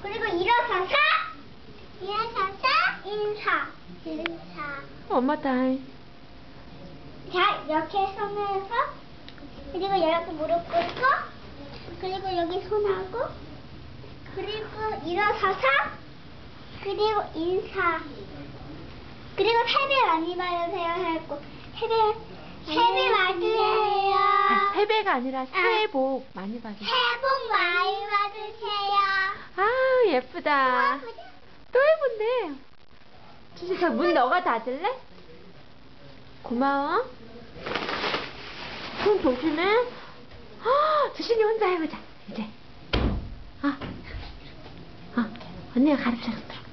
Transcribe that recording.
그리고 일어서서 인사. 엄마 타임. 자, 이렇게 손을 해서 그리고 이렇게 무릎 꿇고 그리고 여기 손하고 그리고 일어서서 그리고 인사. 그리고 새해 많이 받으세요 했고 새해 받으세요. 아, 세배가 아니라 새해 복 많이 받으세요. 새해 복 많이 받으세요. 아, 예쁘다. 또 예쁜데. 주시, 저 문 너가 닫을래? 고마워. 손 조심해. 주신이 혼자 해보자, 이제. 언니가 가르쳐줬다.